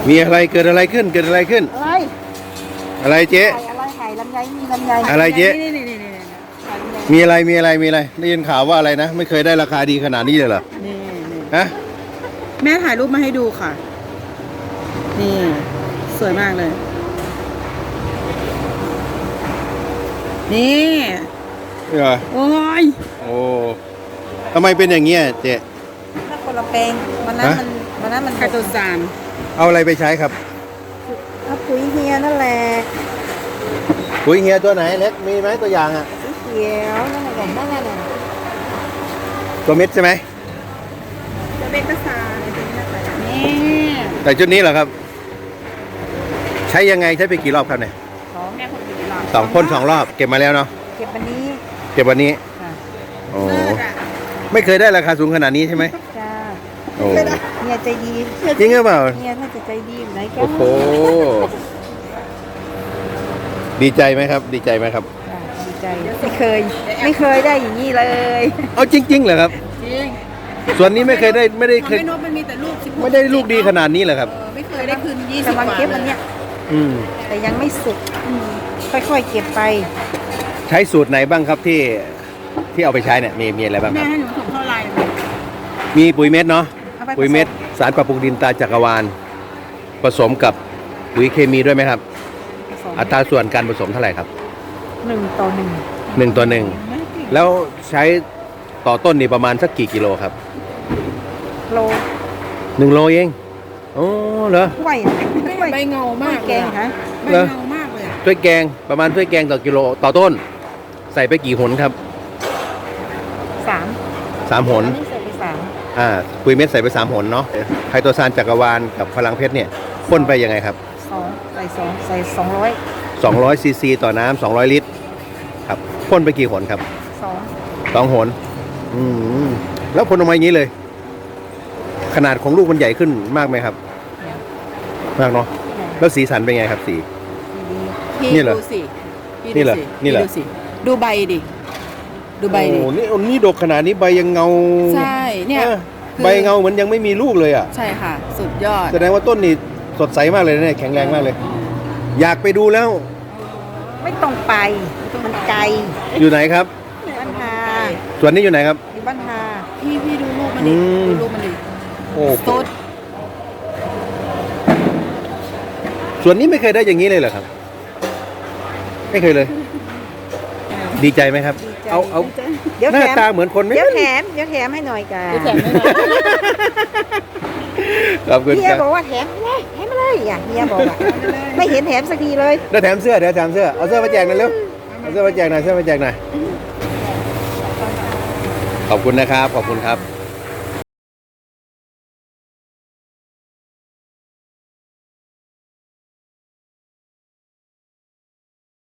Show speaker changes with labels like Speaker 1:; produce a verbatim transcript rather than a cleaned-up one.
Speaker 1: มีอะไรเกิดอะไรขึ้นเกิดอะไรขึ้น
Speaker 2: อะไร
Speaker 1: อะไรเจ๊
Speaker 2: ไข่อะไรไข่ลำไยมีลำไย
Speaker 1: อะไรเจ๊
Speaker 3: นี่นี่นี่นี่
Speaker 2: ไข่ลำไย
Speaker 1: มีอะไรมีอะไรมีอะไรได้ยินข่าวว่าอะไรนะไม่เคยได้ราคาดีขนาดนี้เลยเหรอ
Speaker 3: นี่นี่
Speaker 1: ฮะ
Speaker 3: แม่ถ่ายรูปมาให้ดูค่ะ นี่ สวยมากเลย นี่
Speaker 1: นี่เหรอ
Speaker 3: โอ้ย
Speaker 1: โอ้ทำไมเป็นอย่างเงี้ยเจ๊
Speaker 2: ถ้าคนละแปลงวันนั้น
Speaker 1: ฮะ
Speaker 2: มันวันนั้นมัน
Speaker 3: ไคโตซาน
Speaker 1: เอาอะไรไปใช้ครับ
Speaker 2: เอาปุ๋ยเฮียนั่นแหละ
Speaker 1: ปุ๋ยเฮียตัวไหนเล็กมีไหมตัวอย่างอ่ะ
Speaker 2: สีเขียวนั่นแหละแบบนั่นแหละน่ะ
Speaker 1: ตัวเม็ดใช่ไหม
Speaker 3: จะเป็นกระซานนี่
Speaker 1: แต่ชุดนี้เหรอครับ ใช้ยังไงใช้ไปกี่รอบครับเนี่ย
Speaker 2: สอง
Speaker 3: แม่คนดีหรอ
Speaker 1: สองพ่นสองรอบเก็บมาแล้วเนาะ
Speaker 2: เก็บวันนี้
Speaker 1: เก็บวันนี้
Speaker 2: ค่ะ
Speaker 1: โอ้
Speaker 3: เลิศอ่ะ
Speaker 1: ไม่เคยได้ราคาสูงขนาดนี้ใช่ไหม
Speaker 2: จ้า
Speaker 1: โอ้
Speaker 2: เฮียใจดี
Speaker 1: จริงหรือเปล่า
Speaker 2: เฮียถ้าจะใจดีอยู่ไหนแก
Speaker 1: โอ้โหดีใจไหมครับ ดีใจไหมครับ
Speaker 2: จ้าดีใจไม่เคย ไม่เคยได้อย่างนี้เลย
Speaker 1: เอาจริงๆเหรอครับ
Speaker 3: จริง
Speaker 1: ส่วนนี้ไม่เคยได้ไม่ได้
Speaker 3: ของ
Speaker 1: เคย
Speaker 3: แม่นกมันมีแต่ลูกสิบหก
Speaker 1: ไม่ได้ลูกดีขนาดนี้เหรอครับ
Speaker 3: เออไม่เคยได้คืนยี่สิบ
Speaker 2: กำลัง
Speaker 3: กว่า
Speaker 2: เก็บวันเนี้ย
Speaker 1: อืม
Speaker 2: แต่ยังไม่สุกอืมค่อยๆเก็บไป
Speaker 1: ใช้สูตรไหนบ้างครับที่ที่เอาไปใช้เนี่ยมีมีอะไรบ้างค
Speaker 3: แม่
Speaker 1: รับ
Speaker 3: ให้หนูส่งเท่าไหร่
Speaker 1: มีปุ๋ยเม็ดเนาะ
Speaker 2: เอาไป
Speaker 1: ปุ๋ยเม็ดสารปรับปรุงดินตราจักรวาลผสมกับปุ๋ยเคมีด้วยไหมครับ
Speaker 2: ผสม
Speaker 1: อัตราส่วนการผสมเท่าไหร่ครับ
Speaker 2: หนึ่งต่อหนึ่ง
Speaker 1: หนึ่งต่อหนึ่งแล้วใช้ต่อต้นนี่ประมาณสักกี่กิโลครับ
Speaker 2: โล
Speaker 1: หนึ่งโลเองโอ้เหรอ
Speaker 2: ถ้วยอะถ้วย
Speaker 3: ใบเงามาก
Speaker 2: แกงฮะ
Speaker 3: ใบเงามากเลย
Speaker 1: ถ้วยแกงประมาณถ้วยแกงต่อกิโลต่อต้น ใส่ไปกี่หนครับ
Speaker 2: สาม
Speaker 1: สามหน
Speaker 2: อันนี้ใส่ไปสาม
Speaker 1: อ่าปุ๋ยเม็ดใส่ไปสามหนเนาะไคโตซานจักรวาลกับพลังเพชรเนี่ยพ่นไปยังไงครับ
Speaker 2: สองใส่สองใส่สองร้อย
Speaker 1: สองร้อยซีซีต่อน้ำสองร้อยลิตรครับพ่นไปกี่หนครับ
Speaker 2: สอง
Speaker 1: สองหนอืมแล้วพ่นออกมาอย่างนี้เลย ขนาดของลูกมันใหญ่ขึ้นมากไหมครับ มากเนาะแล้วสีสันเป็นไงครับสี
Speaker 2: ดี
Speaker 3: พี่
Speaker 1: นี่เหรอ
Speaker 3: ดูสิพี่
Speaker 1: นี่เหรอ
Speaker 3: ดูสิ
Speaker 1: นี่เหรอ
Speaker 3: พี่ดูสิดูใบดิ ดูใบดิ
Speaker 1: โอ้นี่นี่ดกขนาดนี้ใบยังเงา
Speaker 3: ใช่เนี่ย
Speaker 1: ออ
Speaker 3: คือ
Speaker 1: ใบเงาเหมือนยังไม่มีลูกเลยอ่ะ
Speaker 3: ใช่ค่ะ สุดยอด
Speaker 1: แสดงว่าต้นนี่สดใสมากเลยนะเนี่ยแข็งแรงมากเลย อยากไปดูแล้ว
Speaker 2: ไม่ต้องไปมันไกล
Speaker 1: อยู่ไหนครับ
Speaker 2: บ้านฮา
Speaker 1: สวนนี้อยู่ไหนครับ
Speaker 2: อยู่บ้านฮา
Speaker 3: พี่พี่ดูรูปมันดิ
Speaker 1: อืม
Speaker 3: ดูรูปมันดิ
Speaker 1: โอ้
Speaker 3: สุด
Speaker 1: สวนนี้ไม่เคยได้อย่างนี้เลยเหรอครับ ไม่เคยเลย ดีใจไหมครับ
Speaker 2: ดีใจ
Speaker 1: เอาเอา
Speaker 2: เดี๋ยว
Speaker 1: หน้า
Speaker 2: แถม
Speaker 1: ตาเหมือนคนไหม
Speaker 2: เดี๋ยวแถมเดี๋ยวแถมให้หน่อยกัน
Speaker 3: ดูแถมไม่ได้
Speaker 1: ขอบคุณ
Speaker 2: เฮี
Speaker 1: ค
Speaker 2: ย
Speaker 1: รับ
Speaker 2: บอกว่าแถมไม่ได้แถมไม่เลยอ่ะเฮียบอกอ่ะไม่เห็นแถมสักทีเลย
Speaker 1: แล้วแถมเสื้อเดี๋ยวแถมเสื้อเอาเสื้อมาแจกหน่อยเร็วเอาเสื้อมาแจกหน่อยเสื้อมาแจกหน่อยขอบคุณนะครับขอบคุณครับ